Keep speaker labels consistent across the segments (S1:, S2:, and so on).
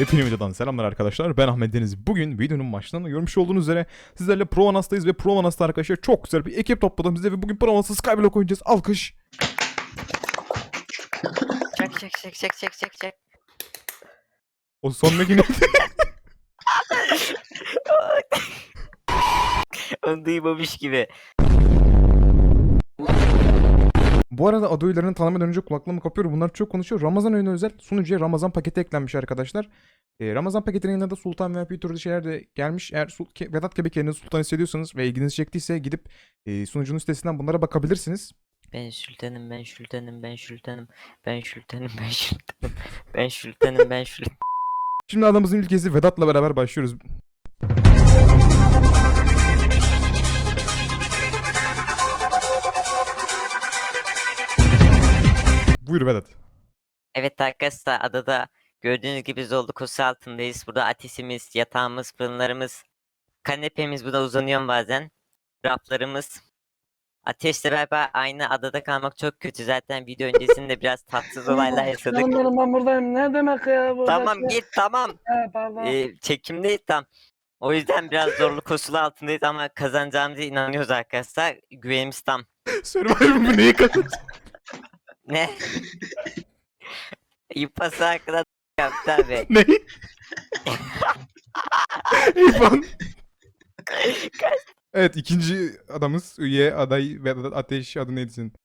S1: Yepyeni videodan selamlar arkadaşlar. Ben Ahmet Deniz. Bugün videonun başlarında görmüş olduğunuz üzere sizlerle Provanas'tayız ve Provanas'ta arkadaşlar çok güzel bir ekip topladım size ve bugün Provanas'ta Skyblock oynayacağız. Alkış.
S2: Çek.
S1: O sondaki ne?
S2: Onu duymamış gibi.
S1: Bu arada adı üyelerini tanımadan önce kulaklığımı kapıyorum. Bunlar çok konuşuyor. Ramazan ayına özel sunucuya Ramazan paketi eklenmiş arkadaşlar. Ramazan paketinin yanında da Sultan VIP türlü şeyler de gelmiş. Eğer Vedat gibi kendinizi Sultan hissediyorsanız ve ilginizi çektiyse gidip sunucunun sitesinden bunlara bakabilirsiniz.
S2: Ben Sultanım.
S1: Şimdi adamımızın ülkesi Vedat'la beraber başlıyoruz. Buyur Vedat.
S2: Evet arkadaşlar, adada gördüğünüz gibi Zoldu altındayız. Burada ateşimiz, yatağımız, fırınlarımız, kanepemiz burada uzanıyor bazen. Raflarımız. Ateşle beraber aynı adada kalmak çok kötü. Zaten video öncesinde biraz tatsız olaylar yaşadık.
S3: Canlarım ben buradayım. Ne demek ya bu?
S2: Tamam git tamam.
S3: Pardon.
S2: Çekimdeyiz tam. O yüzden biraz zorlu koşulu altındayız ama kazanacağımıza inanıyoruz arkadaşlar. Güvenimiz tam.
S1: Survivor bu neyi kazanacak?
S2: Ne? İpası hakkında yaptı abi.
S1: Ne? İrfan. Evet, ikinci adamız üye aday Vedat Ateş, adı neydi senin?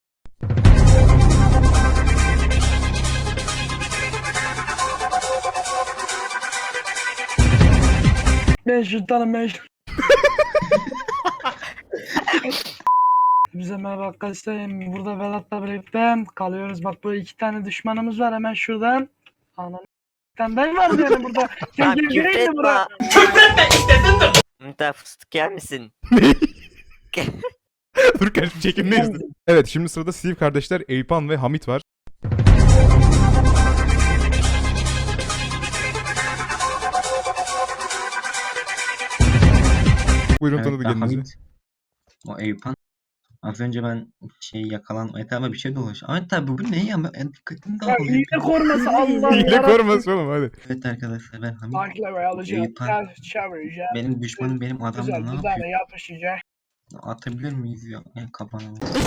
S3: Ben sultanım ben. Bize merhaba arkadaşlar. Burada Vedat'la birlikte kalıyoruz. Bak böyle iki tane düşmanımız var hemen şuradan. Anam. Bir tane daha var yani burada.
S2: Lan
S3: Gel gireyim de buraya.
S2: Müntah fıstık yer misin?
S1: Ne? Dur kaç bir çekimdeyiz. Evet, şimdi sırada Steve kardeşler Eyüpan ve Hamit var. Buyurun,
S4: Evet,
S1: tanıdı
S4: ben
S1: kendinizi.
S4: Hamit. O Eyüpan. Az önce ben etrafıma bir şey dolaş. Ahmet abi bugün ne ya? Ben dikkatimi
S3: Ya
S4: dağılıyor.
S3: hile koruması Allah
S1: Hile
S3: yarabbim.
S1: koruması oğlum, hadi.
S4: Evet arkadaşlar ben Hamit.
S3: Takla alacağım.
S4: Eyüpan.
S3: Gel çevireceğim.
S4: Benim düşmanım benim adamla
S3: Güzel
S4: ne
S3: güzel
S4: yapıyor?
S3: yapışacak.
S4: Atabilir miyiz ya? Kafana.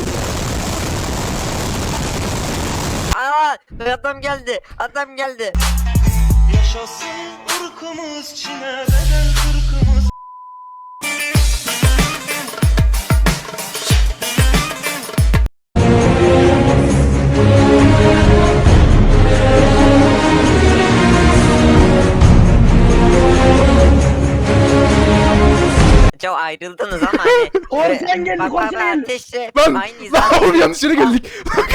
S2: Aa, adam geldi.
S5: Yaşasın ırkımız, Çin'e bedel kırkımız.
S2: Çok ayrıldınız ama hani.
S3: Korsan geldi,
S2: Bak,
S3: korsan geldi.
S2: ateşle
S1: Lan!
S2: aynıyız.
S1: Lan oğlum, yanlış yere geldik.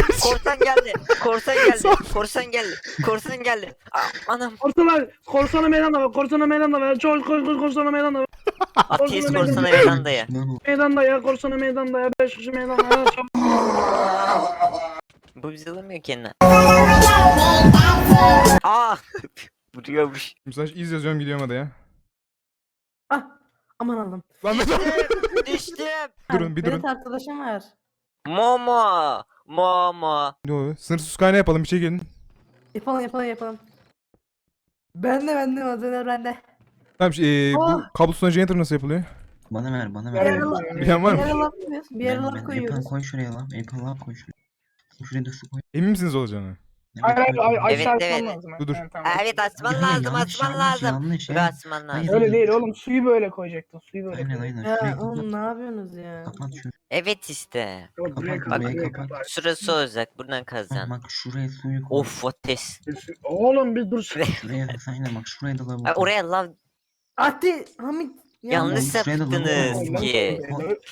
S2: Korsan geldi. Anam.
S3: Korsana meydanda ver. Korsana meydanda ver. Çok korsana meydanda ver.
S2: Ateist
S3: Korsan
S2: korsana
S3: meydanda.
S2: Irlanda'ya.
S3: Meydanda ya. Korsana meydanda ya. 5 kişi meydanda ya. Çok...
S2: Bu bizi alamıyor kendine. Aa. Vuruyormuş.
S1: Mesaj iz yazıyorum, gidiyorum hadi ya.
S6: Ah, aman Allah'ım.
S1: Lan Vedat.
S2: Düştüm.
S1: Durun, bir durun.
S6: Berat arkadaşım var.
S2: Momo.
S1: Ne oluyor? Sınırsız kaynağı yapalım, bir şey gelin.
S6: Yapalım. Bende malzemeler bende.
S1: Tamam, bu kablosuz generator nasıl yapılıyor?
S4: Bana ver bana
S6: Bir
S4: ver.
S6: yere laf
S1: Bilen var mı?
S6: koyuyoruz. Bir yere laf
S4: Eyüpan
S6: koyuyoruz.
S4: koy şuraya lan. Eyüpan laf koy şuraya. Şuraya da su koy.
S1: Emin misiniz olacağını?
S3: Hayır hayır
S2: Evet,
S3: aşağı
S2: evet.
S3: atman lazım.
S1: Dur.
S3: Evet, tamam.
S2: Evet açman
S4: Ya,
S2: lazım.
S4: yanlış, yanlış
S2: Bir
S4: ya.
S2: açman lazım.
S4: Hayır.
S3: Öyle değil oğlum, suyu böyle koyacaktın. Suyu böyle
S4: Aynen
S3: koyacaktın.
S4: aynen. Şurayı
S6: Ya oğlum
S4: kapat.
S6: ne yapıyorsunuz ya?
S4: Kapat şunu.
S2: Evet işte.
S3: Yok, buraya
S4: Kapat,
S3: kapat,
S4: burayı
S3: buraya
S4: kapat.
S3: kapat.
S2: Şurası olacak. Buradan kazacaksın.
S4: Bak şuraya suyu koy.
S2: Of ateş.
S3: Oğlum bir dur.
S4: Şuraya aynen bak şuraya da lavabo.
S2: Ay, oraya lav
S6: Ati Hamit
S2: yanlış
S4: oğlum, şuraya da
S2: yaptınız
S4: lavabo
S2: ki.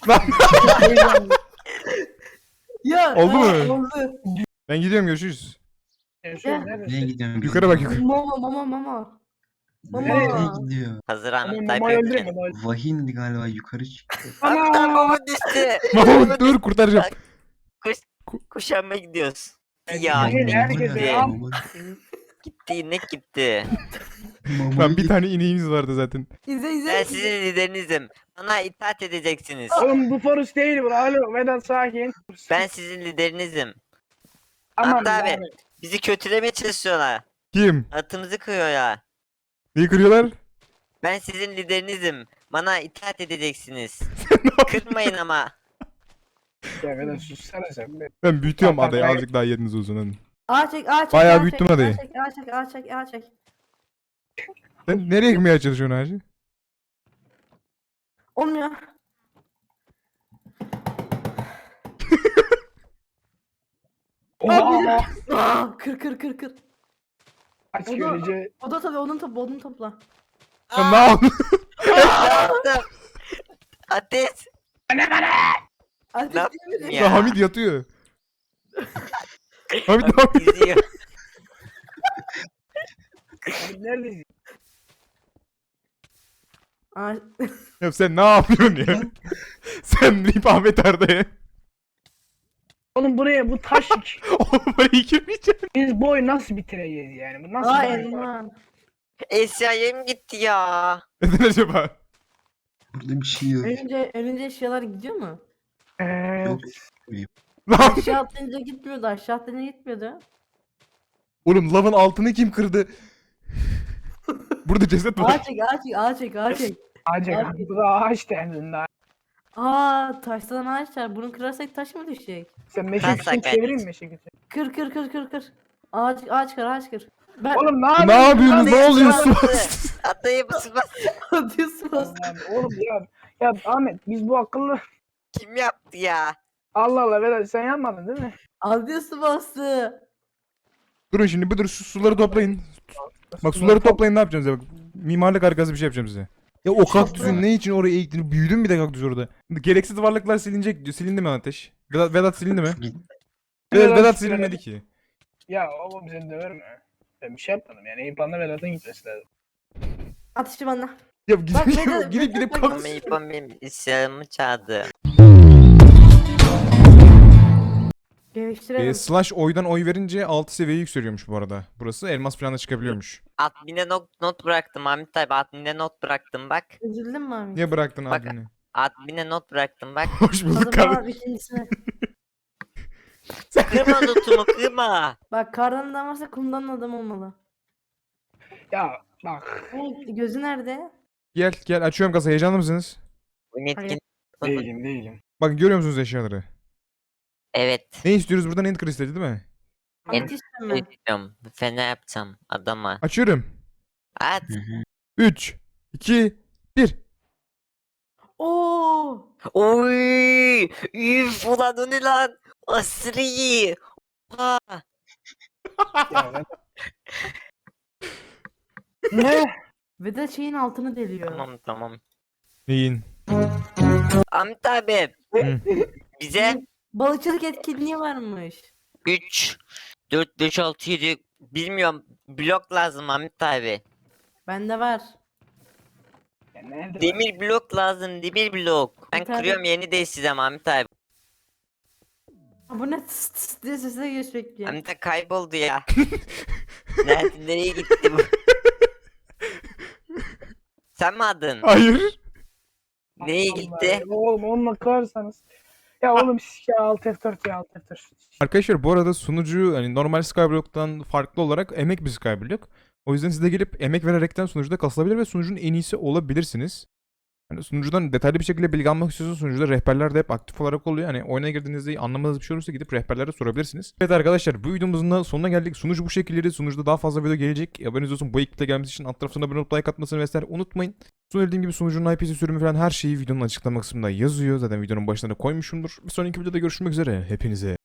S6: Ya
S1: Oldu mu?
S6: Oldu.
S1: Ben gidiyorum, görüşürüz.
S4: Nereye gidiyorsun?
S1: Yukarı bak, yukarı.
S6: Mama.
S4: Nereye
S6: Mama.
S4: gidiyor?
S2: Hazır Ahmet
S3: Mama
S2: Tayyip
S3: öldürme.
S2: Erdoğan.
S4: Vahindi galiba yukarı çıktı.
S3: Ana!
S2: Baba düştü.
S1: Mahmut dur, kurtaracağım.
S2: Kuşanma gidiyoruz.
S3: Evet,
S2: Ya
S3: evet,
S2: inek
S3: herkese
S2: gitti.
S3: al.
S2: Gitti inek gitti.
S1: Lan bir tane ineğimiz vardı zaten.
S6: İzle.
S2: Ben sizin liderinizim. Bana itaat edeceksiniz.
S3: Oğlum bu Forest değil bu. Alo Vedat sakin.
S2: Ben sizin liderinizim.
S3: Aman
S2: Hatta abi
S3: yani.
S2: bizi kötülemeye çalışıyorlar.
S1: Kim?
S2: Atımızı kırıyorlar.
S1: Neyi kırıyorlar?
S2: Ben sizin liderinizim. Bana itaat edeceksiniz. Kırmayın ama.
S3: Ya Vedat sussana sen be.
S1: Ben büyütüyorum
S3: Bak,
S1: adayı
S3: bak.
S1: azıcık daha yeriniz uzun hadi.
S6: Ağa çek, ağa çek.
S1: Bayağı
S6: ağa
S1: büyüttüm
S6: çek,
S1: adayı.
S6: Ağa çek, ağa çek, ağa çek, ağa çek.
S1: Sen nereye gitmeye çalışıyorsun hacı?
S6: Olmuyor.
S3: Oha!
S6: Aa, kır.
S3: Aç
S6: O da-
S3: görece.
S6: O da tabii onu topla.
S1: Sen ne yaptın?
S2: Ne yaptım? Ateş.
S6: Ateş
S2: Ne
S6: değil mi?
S2: Ya.
S1: Hamit yatıyor. Hamit ne yapıyor?
S2: İzliyor.
S3: Neredesin?
S6: Aa,
S1: Ya sen ne yapıyorsun ya? Sen deyip Ahmet Arda'ya.
S3: Oğlum buraya bu taş.
S1: Oğlum buraya girmeyeceğim.
S3: Biz bu oyunu nasıl bitireceğiz yani? Bu nasıl
S6: aa
S3: bir oyun?
S6: elma.
S2: Eşyayım gitti ya.
S1: Neden acaba?
S4: Burada bir şey yok.
S6: Önce eşyalar gidiyor mu?
S3: Evet.
S4: Yok.
S1: Lan
S6: Aşağı atlayınca gitmiyordu. Aşağı atlayınca gitmiyordu.
S1: oğlum lavın altını kim kırdı? Burada ceset var.
S6: Ağa çek, ağa çek, ağa çek, ağa çek.
S3: Ağaç
S6: Abi.
S3: bu da ağaç derdinde.
S6: Aa, taştan ağaç var. Bunu kırarsak taş mı düşecek?
S3: Sen meşe
S2: Ben
S3: kütüğünü
S2: sakat.
S3: çevireyim mi meşe kütüğünü?
S6: Kır. Ağaç kır. Ben
S3: Oğlum ne
S1: Ne
S3: yapıyorsun?
S1: yapıyorsunuz? Ne oluyor? Su
S2: Atı.
S1: bastı.
S2: Atayı basma.
S6: atıyorsun bas.
S3: Allah'ım, oğlum ya Ahmet biz bu akıllı
S2: Kim yaptı ya?
S3: Allah Allah Vedat sen yapmadın değil mi?
S6: Atıyorsun bastı.
S1: Durun şimdi bir dur şu suları toplayın. Bak suları toplayın ne yapacağım size bak. Mimarlık harikası bir şey yapacağım size. Ya o kaktüsün ne için oraya eğittiğini büyüdün bir de kaktüs orada. Gereksiz varlıklar silinecek diyor. Silindi mi Ateş? Vedat silindi mi?
S4: Git.
S1: Vedat silinmedi ki.
S3: Ya oğlum seni döverim ha. Ben bir şey yapmadım yani İlpan'la Vedat'ın gitmesi lazım.
S6: Ateşi bana.
S1: Ya
S6: Bak, Vedat,
S1: gidip
S6: Vedat,
S1: kalk.
S2: Ama İpam benim eşyalarımı çaldı.
S6: Geliştirelim.
S1: Slash oydan oy verince 6 seviye yükseliyormuş bu arada. Burası elmas falan da çıkabiliyormuş.
S2: Admin'e not bıraktım Ahmet abi. Admin'e not bıraktım bak.
S6: Üzüldün mü abi?
S1: Niye bıraktın
S2: Bak-
S1: abini?
S2: Admin'e not bıraktım bak.
S1: Hoş
S6: O
S1: bulduk
S6: zaman
S1: kardeşim.
S6: ikincisine.
S2: Kırma notumu kırma.
S6: Bak kardan adam varsa kumdan adam olmalı.
S3: Ya bak.
S6: Evet, gözü nerede?
S1: Gel açıyorum kasayı, heyecanlı mısınız?
S2: Bu netkin.
S3: Değilim.
S1: Bakın görüyor musunuz eşyaları?
S2: Evet.
S1: Ne istiyoruz buradan? End kristali değil mi?
S6: Ateş mi?
S2: Bilmiyorum. Fena yapacağım adama.
S1: Açıyorum.
S2: At.
S4: Hı hı.
S1: 3, 2, 1.
S6: Oo!
S2: Oy. Üf ulan o ne lan? Aşırı iyi. Oha.
S3: Ya Vedat. Ne?
S6: Ve de şeyin altını deliyor.
S2: Tamam.
S1: Neyin?
S2: Ahmet abi.
S1: Hı.
S2: Bize
S6: Balıkçılık etkinliği varmış.
S2: 3, 4, 5, 6, 7 bilmiyorum blok lazım Ahmet abi.
S6: Bende var.
S3: Ya nerede?
S2: Demir blok lazım demir blok. Ben
S6: Bir tane-
S2: kırıyorum yeni değiştireceğim Ahmet abi.
S6: Ha, bu ne tıs tıs diye sesle geliyor sürekli.
S2: Ahmet abi kayboldu ya. Nereye gitti bu? Sen mi aldın?
S1: Hayır.
S2: Neye
S3: Allah
S2: gitti?
S3: Allah. Oğlum onunla kırarsanız. Ya oğlum ya alt F4 ya alt F4.
S1: Arkadaşlar bu arada sunucu hani normal Skyblock'tan farklı olarak emek bir Skyblock. O yüzden siz de gelip emek vererekten sunucuda kasılabilir ve sunucunun en iyisi olabilirsiniz. Hani sunucudan detaylı bir şekilde bilgi almak istiyorsanız sunucuda rehberler de hep aktif olarak oluyor. Hani oyuna girdiğinizde anlamadığınız bir şey olursa gidip rehberlere sorabilirsiniz. Evet arkadaşlar bu videomuzun da sonuna geldik. Sunucu bu şekilleri. Sunucuda daha fazla video gelecek. Haberiniz olsun, bu ekiple gelmesi için alt tarafına abone olup like atmasını vesaire unutmayın. Söylediğim gibi sunucunun IP'si, sürümü falan her şeyi videonun açıklama kısmında yazıyor. Zaten videonun başına da koymuşumdur. Bir sonraki videoda görüşmek üzere. Hepinize